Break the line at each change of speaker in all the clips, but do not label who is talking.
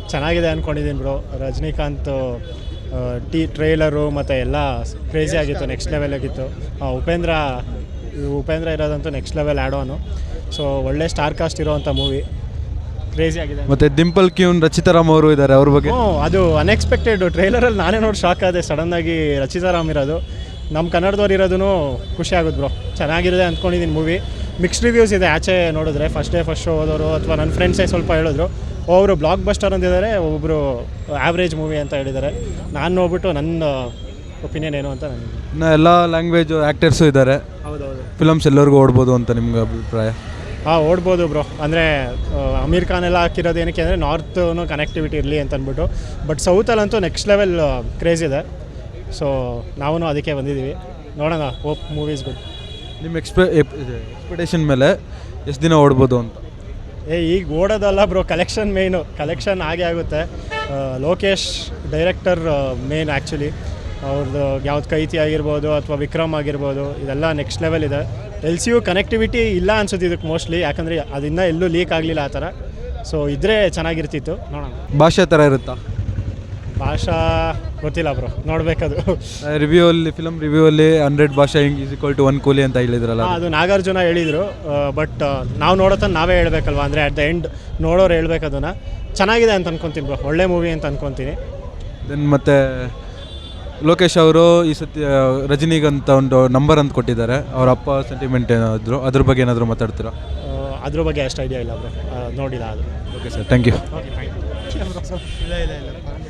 ಚೆನ್ನಾಗಿದೆ ಅಂದ್ಕೊಂಡಿದ್ದೀನಿ bro. Rajinikanth trailer ಮತ್ತು ಎಲ್ಲ ಕ್ರೇಜಿ ಆಗಿತ್ತು, ನೆಕ್ಸ್ಟ್ ಲೆವೆಲ್ ಆಗಿತ್ತು. ಉಪೇಂದ್ರ ಇರೋದಂತೂ next level add on. So ಒಳ್ಳೆ ಸ್ಟಾರ್ ಕಾಸ್ಟ್ ಇರೋವಂಥ ಮೂವಿ, ಕ್ರೇಜಿ ಆಗಿದೆ.
ಮತ್ತು ದಿಂಪಲ್ ಕ್ಯೂನ್ ರಚಿತಾರಾಮ್ ಅವರು ಇದ್ದಾರೆ, ಅವ್ರ ಬಗ್ಗೆ
ಅದು ಅನ್ಎಕ್ಸ್ಪೆಕ್ಟೆಡ್. ಟ್ರೈಲರಲ್ಲಿ ನಾನೇ ನೋಡಿ ಶಾಕ್ ಆದೆ, ಸಡನ್ನಾಗಿ ರಚಿತಾರಾಮ್ ಇರೋದು. ನಮ್ಮ ಕನ್ನಡದವ್ರು ಇರೋದು ಖುಷಿ ಆಗುತ್ತೆ ಬ್ರೋ. ಚೆನ್ನಾಗಿರುತ್ತೆ ಅಂದ್ಕೊಂಡಿದ್ದೀನಿ ಮೂವಿ. ಮಿಕ್ಸ್ಡ್ ರಿವ್ಯೂಸ್ ಇದೆ ಆಚೆ ನೋಡಿದ್ರೆ. ಫಸ್ಟ್ ಶೋ ಹೋದವರು ಅಥವಾ ನನ್ನ ಫ್ರೆಂಡ್ಸೇ ಸ್ವಲ್ಪ ಹೇಳಿದ್ರು, ಒಬ್ಬರು ಬ್ಲಾಕ್ ಬಸ್ಟರ್ ಅಂತಿದ್ದಾರೆ, ಒಬ್ಬರು ಆ್ಯಾವ್ರೇಜ್ ಮೂವಿ ಅಂತ ಹೇಳಿದ್ದಾರೆ. ನಾನು ನೋಡ್ಬಿಟ್ಟು ನನ್ನ ಒಪಿನಿಯನ್ ಏನು ಅಂತ ನನಗೆ.
ಇನ್ನು ಎಲ್ಲ ಲ್ಯಾಂಗ್ವೇಜ್ ಆ್ಯಕ್ಟರ್ಸು ಇದ್ದಾರೆ.
ಹೌದೌದು,
ಫಿಲಮ್ಸ್ ಎಲ್ಲರಿಗೂ ಓಡ್ಬೋದು ಅಂತ ನಿಮ್ಗೆ ಅಭಿಪ್ರಾಯ?
ಓಡ್ಬೋದು ಬ್ರೋ. ಅಂದರೆ ಅಮೀರ್ ಖಾನ್ ಎಲ್ಲ ಹಾಕಿರೋದು ಏನಕ್ಕೆ ಅಂದರೆ ನಾರ್ತು ಕನೆಕ್ಟಿವಿಟಿ ಇರಲಿ ಅಂತ ಅಂದ್ಬಿಟ್ಟು. ಬಟ್ ಸೌತಲ್ಲಂತೂ ನೆಕ್ಸ್ಟ್ ಲೆವೆಲ್ ಕ್ರೇಜ್ ಇದೆ. ಸೊ ನಾವು ಅದಕ್ಕೆ ಬಂದಿದ್ದೀವಿ, ನೋಡೋಣ. Hope movies good.
ನಿಮ್ಮ ಎಕ್ಸ್ಪೆಕ್ಟೇಷನ್ ಮೇಲೆ ಎಷ್ಟು ದಿನ ಓಡ್ಬೋದು ಅಂತ?
ಈಗ ಓಡೋದಲ್ಲ ಬ್ರೋ, ಕಲೆಕ್ಷನ್ ಮೇಯ್ನು. ಕಲೆಕ್ಷನ್ ಆಗೇ ಆಗುತ್ತೆ. Lokesh director main actually. ಅವ್ರದ್ದು ಯಾವ್ದು ಕೈತಿ ಆಗಿರ್ಬೋದು ಅಥವಾ ವಿಕ್ರಮ್ ಆಗಿರ್ಬೋದು, ಇದೆಲ್ಲ ನೆಕ್ಸ್ಟ್ ಲೆವೆಲ್ ಇದೆ. LCU ಕನೆಕ್ಟಿವಿಟಿ ಇಲ್ಲ ಅನ್ಸುತ್ತೆ ಇದಕ್ಕೆ ಮೋಸ್ಟ್ಲಿ, ಯಾಕಂದರೆ ಅದನ್ನ ಎಲ್ಲೂ ಲೀಕ್ ಆಗಲಿಲ್ಲ ಆ ಥರ. ಸೊ ಇದ್ರೆ ಚೆನ್ನಾಗಿರ್ತಿತ್ತು, ನೋಡೋಣ.
ಭಾಷೆ ಥರ ಇರುತ್ತಾ?
ಭಾಷಾ ಗೊತ್ತಿಲ್ಲ ಬ್ರೋ, ನೋಡಬೇಕದು.
ಫಿಲಮ್ ರಿವ್ಯೂವಲ್ಲಿ 100 ಭಾಷೆ ಈಸ್ ಈಕ್ವಲ್ ಟು 1 ಕೂಲಿ ಅಂತ ಹೇಳಿದ್ರಲ್ಲ,
ಅದು ನಾಗಾರ್ಜುನ ಹೇಳಿದರು. ಬಟ್ ನಾವು ನೋಡೋತನ ನಾವೇ ಹೇಳ್ಬೇಕಲ್ವ, ಅಂದರೆ ಅಟ್ ದ ಎಂಡ್ ನೋಡೋರು ಹೇಳ್ಬೇಕು ಅದನ್ನು. ಚೆನ್ನಾಗಿದೆ ಅಂತ ಅನ್ಕೊತೀನಿ ಬ್ರೋ, ಒಳ್ಳೆ ಮೂವಿ ಅಂತ ಅನ್ಕೊತೀನಿ.
ದೆನ್ ಮತ್ತು ಲೋಕೇಶ್ ಅವರು ಈ ಸತಿ ರಜನಿಗಂತ ಒಂದು ನಂಬರ್ ಅಂತ ಕೊಟ್ಟಿದ್ದಾರೆ. ಅವ್ರ ಅಪ್ಪ ಸೆಂಟಿಮೆಂಟ್ ಏನಾದರೂ ಅದ್ರ ಬಗ್ಗೆ ಏನಾದರೂ ಮಾತಾಡ್ತೀರಾ?
ಅದ್ರ ಬಗ್ಗೆ ಅಷ್ಟು ಐಡಿಯಾ ಇಲ್ಲ ಬ್ರೋ, ನೋಡಿಲ್ಲ ಅದು.
Okay sir, thank you.
Okay, thank you. ಇಲ್ಲ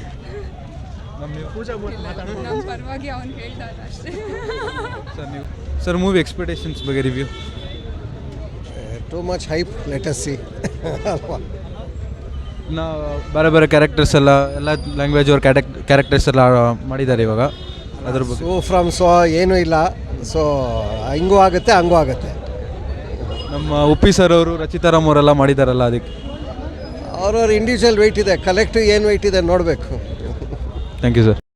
ಪರವಾಗಿ ಅವನು ಹೇಳ್ತಾರೆ ಅಷ್ಟೇ.
ಸರ್ ಮೂವಿ ಎಕ್ಸ್ಪೆಕ್ಟೇಷನ್ಸ್ ಬಗ್ಗೆ review?
Too much hype, let us see.
ನಾ ಬೇರೆ ಬೇರೆ ಕ್ಯಾರೆಕ್ಟರ್ಸ್ ಎಲ್ಲ ಲ್ಯಾಂಗ್ವೇಜ್ ಅವ್ರ ಕ್ಯಾರೆಕ್ಟರ್ಸ್ ಎಲ್ಲ ಮಾಡಿದ್ದಾರೆ ಇವಾಗ, ಅದ್ರ ಬಗ್ಗೆ?
ಸೊ ಏನೂ ಇಲ್ಲ. ಸೊ ಹಿಂಗೂ ಆಗುತ್ತೆ ಹಂಗೂ ಆಗುತ್ತೆ.
ನಮ್ಮ ಉಪ್ಪಿ ಸರ್ ಅವರು ರಚಿತಾರಾಮ್ ಅವರೆಲ್ಲ ಮಾಡಿದಾರಲ್ಲ, ಅದಕ್ಕೆ
ಅವ್ರವ್ರ ಇಂಡಿವಿಜುವಲ್ ವೆಯ್ಟ್ ಇದೆ, ಕಲೆಕ್ಟಿವ್ ಏನು ವೆಯ್ಟ್ ಇದೆ ನೋಡಬೇಕು.
Thank you sir.